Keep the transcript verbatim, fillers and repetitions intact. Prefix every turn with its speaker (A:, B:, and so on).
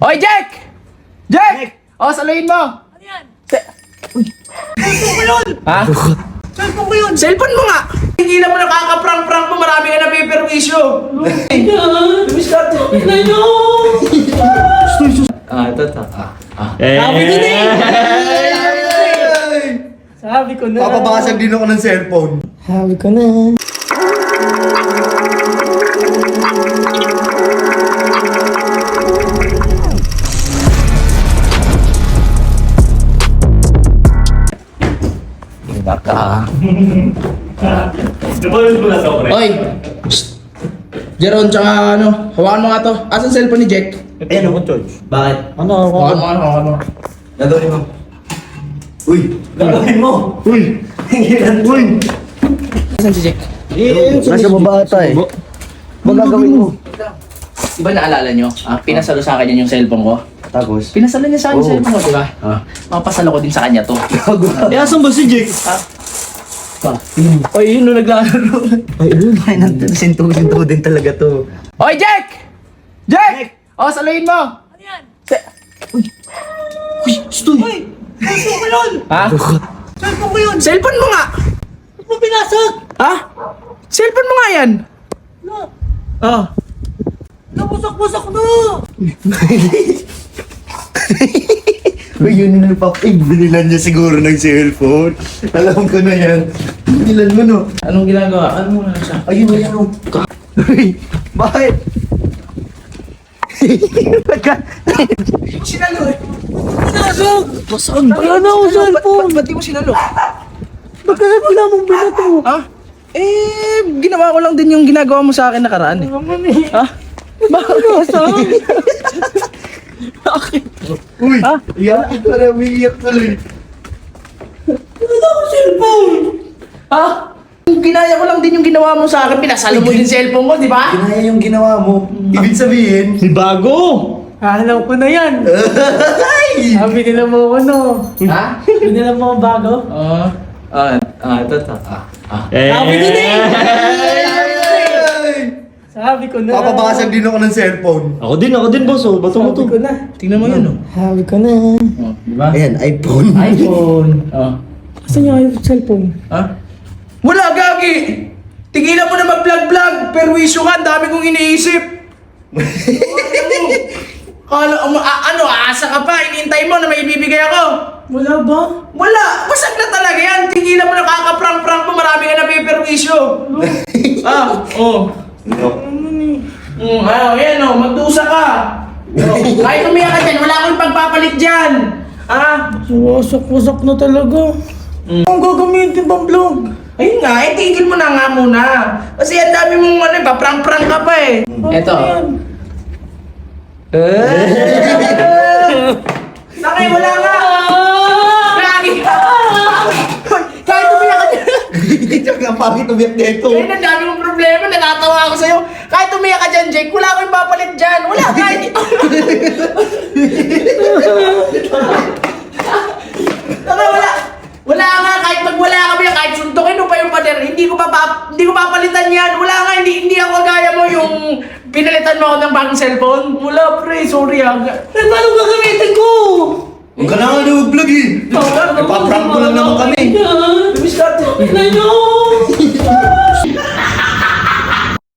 A: Hoy, Jack! Jack! O, saluhin mo!
B: Ano yan?
A: Se-
B: Cellphone ko yun!
A: ha?
B: Cellphone ko yun!
A: Cellphone mo nga! Tigilan mo nakaka-prank-prank mo, marami ka napiperwisyo! Lumis ka to!
B: Ina nyo!
A: Ah, ito, ito. Ah, ah.
B: Sabi ko na eh! Sabi ko na.
C: Papabasag din ako ng cellphone.
B: Sabi ko na.
A: Baka.
B: Nabalot mo na sa pre.
A: Hoy! Psst! Jeron, tsaka ano, hawakan mo nga to. Asan cellphone ni Jack?
C: Ayan ako, George. Bakit?
B: Ano?
A: Hawakan mo nga, hawakan mo.
C: Gagawin mo. Uy!
B: Gagawin mo!
C: Uy! Uy!
A: Asan si Jack?
C: Nasa baba ata eh. Ba gagawin mo?
A: Di ba naalala nyo? Ah, pinasalo sa akin yan yung cellphone ko.
C: Tapos?
A: Pinasalo niya sa akin yung
C: Oo.
A: cellphone ko, di ba?
C: Ah.
A: Mapasalo ko din sa kanya to.
B: Eh, asan ba si Jake?
A: Ha? Oy, yun, no, naglalaro.
C: Ay, ano? Ay, sinto-sinto din talaga to.
A: Hoy, Jack! Jack! O, saluhin mo!
B: Ano yan?
A: Se-
C: Uy! Stoy!
B: Uy! Cellphone ko yun!
A: ha?
B: Cellphone ko yun!
A: Cellphone mo nga!
B: Ba't mo pinasag?
A: Ha? Cellphone mo nga yan!
B: Ano?
A: Oh.
B: Nabusak-busak na!
C: Uy, yun na pa. Eh, binilan niya siguro ng cellphone. Alam ko na yan. Binilan mo, no?
A: Anong ginagawa? Ano mo na siya?
C: Ayun, ayun. oh. Uy! Bakit?
A: Sinalo eh!
B: Pinasag!
A: Basag!
B: Wala na akong cellphone!
A: Ba't di mo sinalo?
B: Ba't ka wala mong binato?
A: Ha? Eh, ginawa ko lang din yung ginagawa mo sa akin nakaraan eh.
B: Naman eh.
A: Ha? Bakit? Bakit?
C: Uy!
A: Ha?
C: Iyak ko na, umiiyak tuloy.
B: Wala akong cellphone!
A: Ha? Ginaya ko lang din yung ginawa mo sa akin. Pinasalo mo din cellphone ko, di ba?
C: Kinaya yung ginawa mo. Ibig sabihin,
B: Si Bago! Alam ko na yan!
C: ay!
B: Sabi nila mo ano?
A: Ha?
B: Sabi nila mo bago?
A: Oo. Ah, ah, ito, ito. Ah, ah.
B: Sabi ko na eh!
C: Ay!
B: Sabi ko na.
C: Papabasag din ako ng cellphone.
D: Ako din, ako din, boss. Oh, bato mo
B: Sabi
D: to.
B: ko na.
A: Tingnan mo yun, oh.
B: Sabi ko na.
A: Oh, di ba?
C: Ayan, iPhone.
A: iPhone. Oh.
B: Saan yung yung cellphone?
A: Ha? Wala, Gagi! Tigilan mo na mag-vlog-vlog! Perwisyo ka, ang dami kong iniisip! Kala, um, a- ano, aasa ka pa, inintay mo na may ibibigay ako!
B: Wala ba?
A: Wala! Basag na talaga yan! Tigilan mo na kakaprank-prank mo, marami ka na piperwisyo! ah, oh. Mm, ah, yan oh, magdusa ka! Oh, kahit umiyak ka dyan, wala akong pagpapalit dyan! Ah?
B: Wasak-wasak na talaga. Ang gagamitin bang vlog?
A: Ayun nga, eh, tigil mo na nga muna. Kasi ang dami mong ano, pa-prank-prank ka pa eh. Eto. Sakay, wala nga! Lagi ka! Kahit umiyak ka dyan.
C: Hindi ka ang pangit umiyak dito.
A: Ayun, ang dami mong problema, natatawa ako sa'yo. Kahit umiyak ka dyan, Jake, wala akong papalit dyan. Wala, kahit ito. Sakay, wala. Wala nga, kahit magwala kami, kahit suntukin mo pa yung pader, hindi ko pa, pa hindi ko papalitan yan. Wala nga, hindi, hindi ako gaya mo yung pinalitan mo ako ng bagong cellphone. Wala, pre, sorry ah.
B: Eh, paano gagamitin ko?
C: Huwag ka na nga na vlog eh.
B: Ipaprank
C: Ipaprank mo lang naman kami.
A: Lumis ka to.
B: Ina nyo!